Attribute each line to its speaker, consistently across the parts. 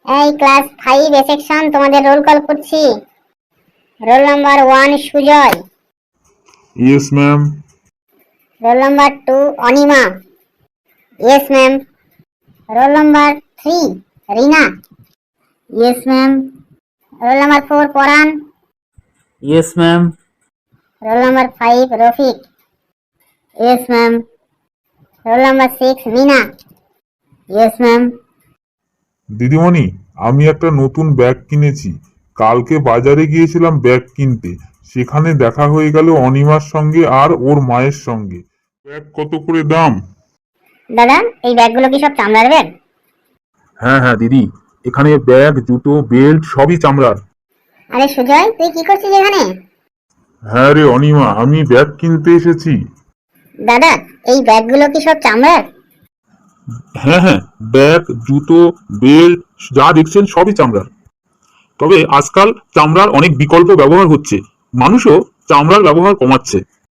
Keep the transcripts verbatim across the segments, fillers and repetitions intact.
Speaker 1: এই class five A section তোমাদের roll call করছি। Roll number one Sujoy.
Speaker 2: Yes ma'am.
Speaker 1: Roll number two Anima. Yes ma'am. Roll number three Rina. Yes ma'am. Roll number four Paran.
Speaker 3: Yes ma'am.
Speaker 1: Roll number five Rafiq. Yes ma'am. Roll number six Mina. Yes ma'am.
Speaker 2: দিদিমণি, আমি একটা নতুন bag কিনেছি। কালকে বাজারে গিয়েছিলাম bag কিনতে, সেখানে দেখা হয়ে গেল অনিমার সঙ্গে আর ওর মায়ের সঙ্গে। ব্যাগ কত করে দাম?
Speaker 1: দাদা, এই ব্যাগগুলো কি সব চামড়ার ব্যাগ?
Speaker 2: হ্যাঁ হ্যাঁ দিদি, এখানে ব্যাগ, জুতো, বেল্ট সবই চামড়ার।
Speaker 1: আরে সুজয়, তুই কি করছিস এখানে?
Speaker 2: হ্যাঁ রে অনিমা, আমি ব্যাগ কিনতে এসেছি।
Speaker 1: দাদা, এই ব্যাগগুলো কি সব চামড়ার?
Speaker 2: হ্যাঁ হ্যাঁ, ব্যাগ, জুতো, বেল্ট যা দেখছেন সবই চামড়ার। তবে আজকাল চামড়ার অনেক বিকল্প ব্যবহার হচ্ছে, মানুষও চামড়ার ব্যবহার কমাচ্ছে।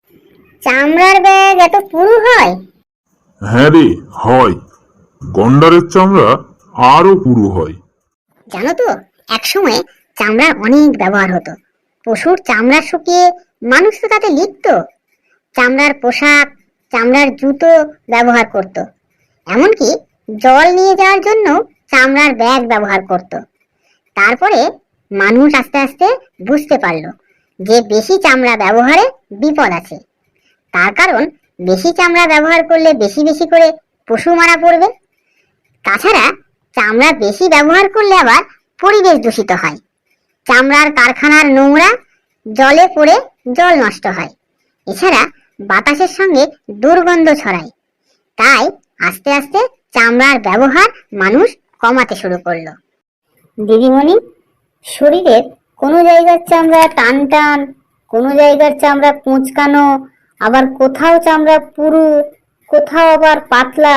Speaker 1: চামড়ার ব্যাগ এত পুরু হয়?
Speaker 2: হ্যাঁ রে, হয়। গন্ডারের চামড়া আরো পুরু হয়।
Speaker 1: জানো তো, একসময় চামড়ার অনেক ব্যবহার হতো। পশুর চামড়া শুকিয়ে মানুষ তো তাতে লিখত। চামড়ার পোশাক, চামড়ার জুতো ব্যবহার করত। এমনকি জল নিয়ে যাওয়ার জন্য চামড়ার ব্যাগ ব্যবহার করত। তারপরে মানুষ আস্তে আস্তে বুঝতে পারল যে বেশি চামড়া ব্যবহারে বিপদ আছে। তার কারণ, বেশি চামড়া ব্যবহার করলে বেশি বেশি করে পশু মারা পড়বে। তাছাড়া চামড়া বেশি ব্যবহার করলে আবার পরিবেশ দূষিত হয়। চামড়ার কারখানার নোংরা জলে পড়ে জল নষ্ট হয়। এছাড়া বাতাসের সঙ্গে দুর্গন্ধ ছড়ায়। তাই আস্তে আস্তে চামড়ার ব্যবহার মানুষ কমাতে শুরু করলো। দিদিমণি, শরীরের কোনো জায়গার চামড়া টান টান, কোনো জায়গার চামড়া কুঁচকানো, আবার কোথাও চামড়া পুরু, কোথাও আবার পাতলা,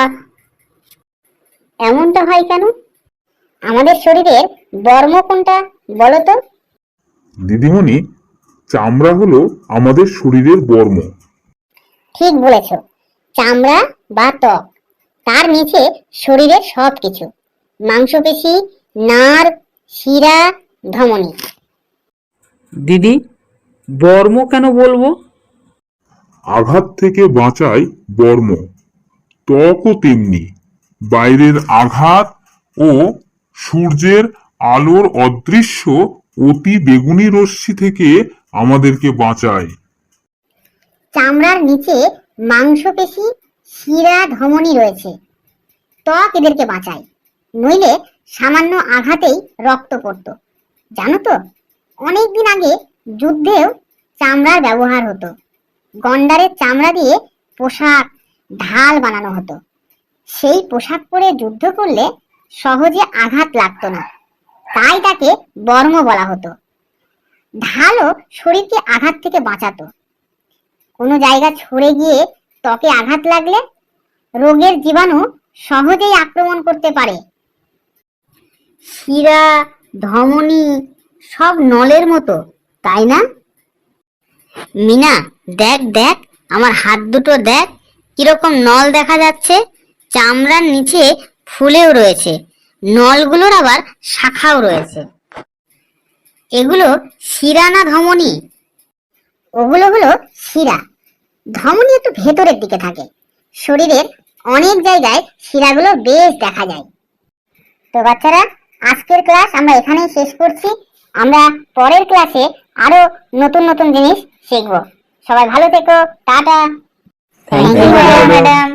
Speaker 1: এমনটা হয় কেন? আমাদের শরীরের বর্ম কোনটা বলো তো?
Speaker 2: দিদিমণি, চামড়া হলো আমাদের শরীরের বর্ম।
Speaker 1: ঠিক বলেছ। চামড়া বা ত্বক, তার নিচে শরীরের সব কিছু, মাংসপেশি, নার্ভ, শিরা, ধমনী।
Speaker 3: দিদি, বর্ম কেন বলবো?
Speaker 2: আঘাত থেকে বাঁচায় বর্ম। ত্বকও তেমনি। বাইরের আঘাত ও সূর্যের আলোর অদৃশ্য অতি বেগুনি রশ্মি থেকে আমাদেরকে বাঁচায়।
Speaker 1: চামড়ার নিচে মাংসপেশি, শিরা, ধমনী রয়েছে। ত্বক এদেরকে বাঁচায়, নইলে সামান্য আঘাতেই রক্ত পড়তো। জানো তো, অনেকদিন আগে যুদ্ধেও চামড়ার ব্যবহার হতো। গন্ডারের চামড়া দিয়ে পোশাক, ঢাল বানানো হতো। সেই পোশাক পরে যুদ্ধ করলে সহজে আঘাত লাগতো না, তাই তাকে বর্ম বলা হতো। ঢালও শরীরকে আঘাত থেকে বাঁচাতো। কোনো জায়গা ছড়ে গিয়ে ত্বকে আঘাত লাগলে রোগের জীবাণু সহজেই আক্রমণ করতে পারে। শিরা, ধমনী সব নলের মতো, তাই না? মিনা, দেখ দেখ, আমার হাত দুটো দেখ, কিরকম নল দেখা যাচ্ছে। চামড়ার নিচে ফুলেও রয়েছে, নলগুলোর আবার শাখাও রয়েছে। এগুলো শিরা না ধমনী? ওগুলো হলো শিরা। ধমনী একটু ভেতরের দিকে থাকে। শরীরের অনেক জায়গায় শিরাগুলো বেশ দেখা যায়। তো বাচ্চারা, আজকের ক্লাস আমরা এখানেই শেষ করছি। আমরা পরের ক্লাসে আরো নতুন নতুন জিনিস শিখবো। সবাই ভালো থেকো। Tata.
Speaker 3: Thank
Speaker 1: thank
Speaker 3: you
Speaker 1: you
Speaker 3: madam.
Speaker 1: Madam.